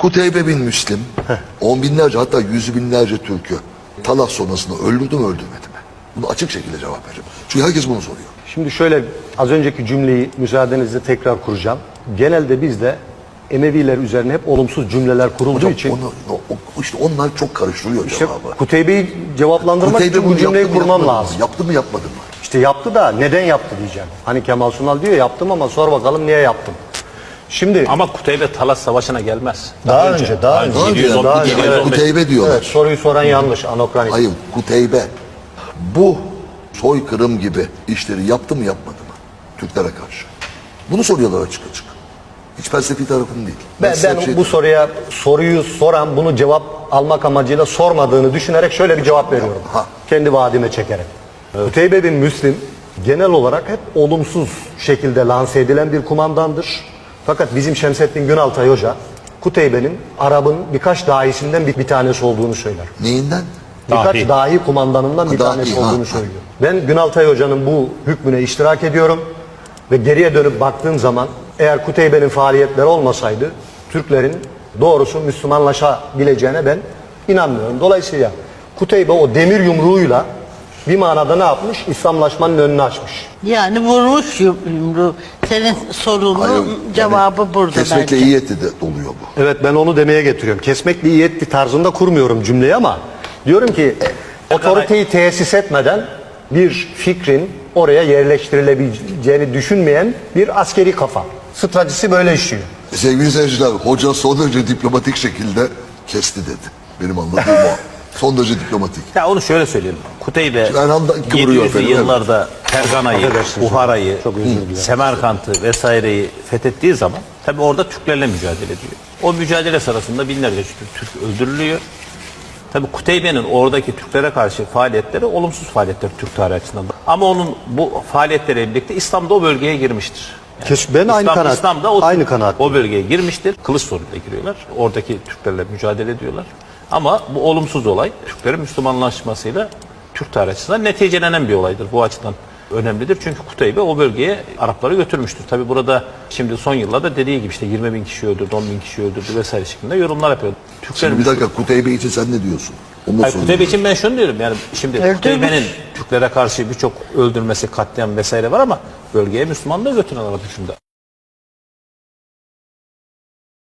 Kuteybe bin Müslim, on binlerce hatta yüz binlerce Türk'ü Talas sonrasında öldürdü mü öldürmedi mi? Bunu açık şekilde cevap vereceğim. Çünkü herkes bunu soruyor. Şimdi şöyle az önceki cümleyi müsaadenizle tekrar kuracağım. Genelde bizde Emeviler üzerine hep olumsuz cümleler kurulduğu Hocam için işte onlar çok karıştırıyor işte cevabı. Kuteybe'yi cevaplandırmak Kuteybe için bu bunu cümleyi yaptı mı, kurmam yapmadı mı? lazım. Yaptı mı yapmadı mı? İşte yaptı da neden yaptı diyeceğim. Hani Kemal Sunal diyor yaptım ama sor bakalım niye yaptım. Şimdi Ama Kuteybe Talas Savaşı'na gelmez. daha önce. Evet, Kuteybe diyorlar. Evet, soruyu soran yanlış, anokronik. Hayır, Kuteybe bu soykırım gibi işleri yaptı mı yapmadı mı? Türklere karşı. Bunu soruyorlar açık açık. Hiç felsefi tarafını değil. Ben bu soruyu soran bunu cevap almak amacıyla sormadığını düşünerek şöyle bir cevap veriyorum. Kendi vaadime çekerek. Kuteybe bin Müslim genel olarak hep olumsuz şekilde lanse edilen bir kumandandır. Fakat bizim Şemsettin Günaltay Hoca Kuteybe'nin Arap'ın birkaç dahisinden bir tanesi olduğunu söyler. Neyinden? Birkaç dahi kumandanından bir tanesi olduğunu söylüyor. Ben Günaltay Hoca'nın bu hükmüne iştirak ediyorum ve geriye dönüp baktığım zaman eğer Kuteybe'nin faaliyetleri olmasaydı Türklerin doğrusu Müslümanlaşabileceğine ben inanmıyorum. Dolayısıyla Kuteybe o demir yumruğuyla bir manada ne yapmış? İslamlaşmanın önünü açmış. Yani vurmuş yumruğu. Senin sorunun cevabı burada Kesmekle bence. iyi etti de oluyor bu. Evet, ben onu demeye getiriyorum. Kesmekle iyi etti tarzında kurmuyorum cümleyi ama diyorum ki otoriteyi tesis etmeden bir fikrin oraya yerleştirilebileceğini düşünmeyen bir askeri kafa. Stratejisi böyle işliyor. Sevgili seyirciler, hoca son derece diplomatik şekilde kesti dedi. Benim anladığım o. Son derece diplomatik. Ya onu şöyle söyleyelim. Kuteybe Erhan'da kıvırıyor 700'lü efendim, yıllarda Fergana'yı, Affedersiniz. Buhara'yı, Çok özür dilerim. Semerkant'ı vesaireyi fethettiği zaman tabi orada Türklerle mücadele ediyor. O mücadele sırasında binlerce Türk öldürülüyor. Tabi Kuteybe'nin oradaki Türklere karşı faaliyetleri olumsuz faaliyetler Türk tarihi açısından. Ama onun bu faaliyetleriyle birlikte İslam da o bölgeye girmiştir. Ben aynı İslam da aynı kanaat. o bölgeye girmiştir. Kılıç sorunuyla giriyorlar. Oradaki Türklerle mücadele ediyorlar. Ama bu olumsuz olay Türklerin Müslümanlaşmasıyla Türk tarihi açısından neticelenen bir olaydır. Bu açıdan önemlidir. Çünkü Kuteybe o bölgeye Arapları götürmüştür. Tabi burada şimdi son yıllarda dediği gibi işte 20 bin kişi öldürdü, 10 bin kişi öldürdü vesaire şeklinde yorumlar yapıyor. Şimdi bir dakika, Kuteybe için sen ne diyorsun? Hayır, Kuteybe için ben şunu diyorum, yani şimdi Kuteybe'nin Türklere karşı birçok öldürmesi, katliam vesaire var ama bölgeye Müslümanlığı götüren Arap hükümdar.